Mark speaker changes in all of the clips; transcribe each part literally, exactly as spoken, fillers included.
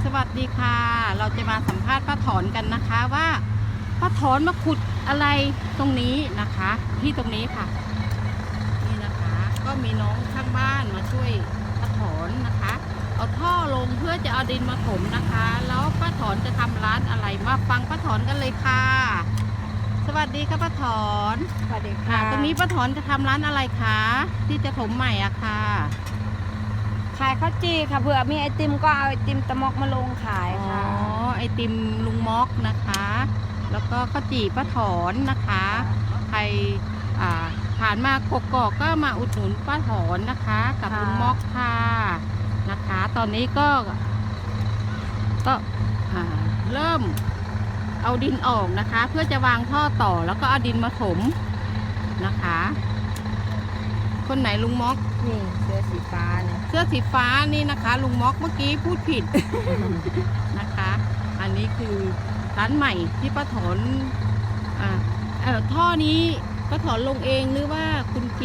Speaker 1: วัสดีค่ะเราจะมาสัมภาษณ์ป้าถอนกันนะคะว่าป้าถอนมาขุดอะไรตรงนี้นะคะที่ตรงนี้ค่ะนี่นะคะก็มีน้องข้างบ้านมาช่วยป้าถอนนะคะเอาท่อลงเพื่อจะเอาดินมาถมนะคะแล้วป้าถอนจะทำร้านอะไรมาฟังป้าถอนกันเลยค่ะสวัสดีค่ะป้าถอน
Speaker 2: สวัสดี
Speaker 1: ค่ะ
Speaker 2: ค่ะ
Speaker 1: ตรงนี้ป้าถอนจะทำร้านอะไรคะที่จะถมใหม่อะค่ะ
Speaker 2: ขายข้าวจี่ค่ะเผื่อมีไอติมก็เอาไอติมตะมอกมาลงขาย
Speaker 1: อ๋อ
Speaker 2: ค่ะ
Speaker 1: ไอติมลุงม็อกนะคะ แล้วก็ข้าวจี่ป้าถอนนะคะใครอ่าผ่านมากกอกก็มาอุดหนุนป้าถอนนะคะ กับลุงม็อกค่ะนะคะ ตอนนี้ก็ก็อ่าเริ่มเอาดินออกนะคะ เพื่อจะวางท่อต่อแล้วก็เอาดินมาถมนะคะ คนไหนลุงม็อก
Speaker 2: นี่เสื้อสีฟ้าเนี่ย
Speaker 1: เสื้อสีฟ้านี่นะคะลุงม็อกเมื่อกี้พูดผิด นะคะ อันนี้คือร้านใหม่ที่ป้าถอนอ่าเอ่อท่อนี้ป้าถอนลงเองหรือว่าคุณกิ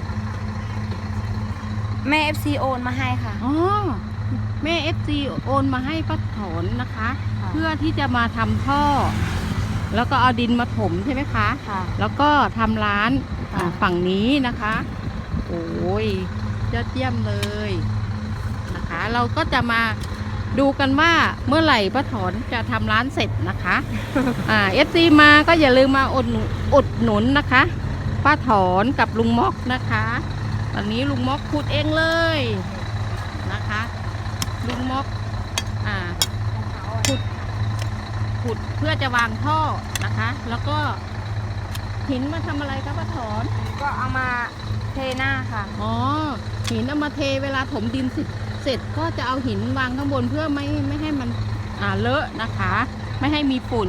Speaker 2: แม่เอฟซีโอนมาให้ค่ะ
Speaker 1: อ๋อแม่เอฟซีโอนมาให้ป้าถอนนะคะ
Speaker 2: ค่ะ
Speaker 1: เพื่อที่จะมาทำท่อ แล้วก็เอาดินมาถมใช่ไหมคะ
Speaker 2: ค่ะ
Speaker 1: แล้วก็ทำร้านอ่า
Speaker 2: ค่ะ
Speaker 1: ฝั่งนี้นะคะ โอ้ยยอดเยี่ยมเลยนะคะ เราก็จะมาดูกันว่าเมื่อไหร่ป้าถอนจะทำร้านเสร็จนะคะ อ่าเอฟซีมาก็อย่าลืมมาอุดหนุนอุดหนุนนะคะป้าถอนกับลุงม็อกนะคะตอนนี้ลุงม็อกขุดเองเลยนะคะลุงม็อกอ่า ขุด ขุดเพื่อจะวางท่อนะคะ แล้วก็หินมาทำอะไรคะป้าถอน
Speaker 2: ก็เอามาเทหน้าค่ะ
Speaker 1: อ๋อหินเอามาเทเวลาถมดินเสร็จเสร็จก็จะเอาหินวางข้างบนเพื่อไม่ไม่ให้มันอ่าเลอะนะคะ ไม่ให้มีฝุ่น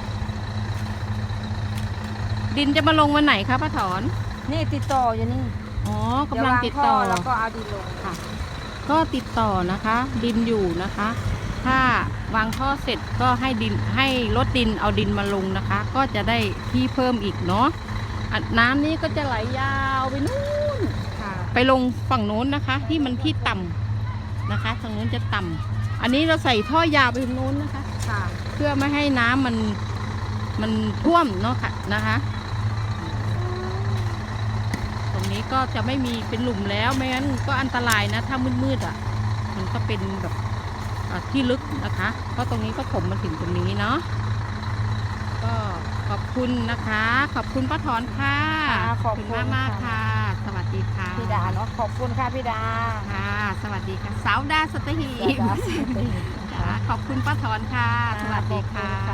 Speaker 1: ดินจะมาลงวันไหนคะป้าถอน
Speaker 2: นี่ติดต่ออยู่นี่
Speaker 1: อ๋อกำลังติดต่อ
Speaker 2: เยววางท่แล้วก็เอาดินลง
Speaker 1: ค่ะ ก็ติดต่อนะคะ ดินอยู่นะคะ ถ้าวางท่อเสร็จก็ให้ดินให้รถดินเอาดินมาลงนะคะ ก็จะได้ที่เพิ่มอีกเนาะอ่ะน้ำนี้ก็จะไหลยาวไปนู่น
Speaker 2: ค่ะ
Speaker 1: ไปลงฝั่งโน้นนะคะ ที่มันที่ต่ำนะคะทางโน้นจะต่ำอันนี้เราใส่ท่อยาวไปทางโน้นนะคะ
Speaker 2: ค่ะ
Speaker 1: เพื่อไม่ให้น้ำมันมันท่วมเนาะค่ะนะคะ ตรงนี้ก็จะไม่มีเป็นหลุมแล้วไม่งั้นก็อันตรายนะถ้ามืดๆอ่ะ มันก็เป็นแบบอ่าที่ลึกนะคะเพราะตรงนี้ก็ถมมาถึงตรงนี้เนาะก็ขอบคุณนะคะ ขอบคุณป้าถอนค่ะ
Speaker 2: ค่ะขอบคุณ
Speaker 1: มากมากๆ
Speaker 2: ค่ะ
Speaker 1: ค่ะ สวัสดีค่ะ
Speaker 2: พี่ดาเนาะขอบคุณค่ะพี่ดา
Speaker 1: ค่ะ สวัสดีค่ะ สาวดาสตหีบ
Speaker 2: ดาสวัสดี
Speaker 1: ค่ะขอบคุณป้าถอนค่ะ สวัสดีค่ะ
Speaker 2: ขอบคุณค่ะ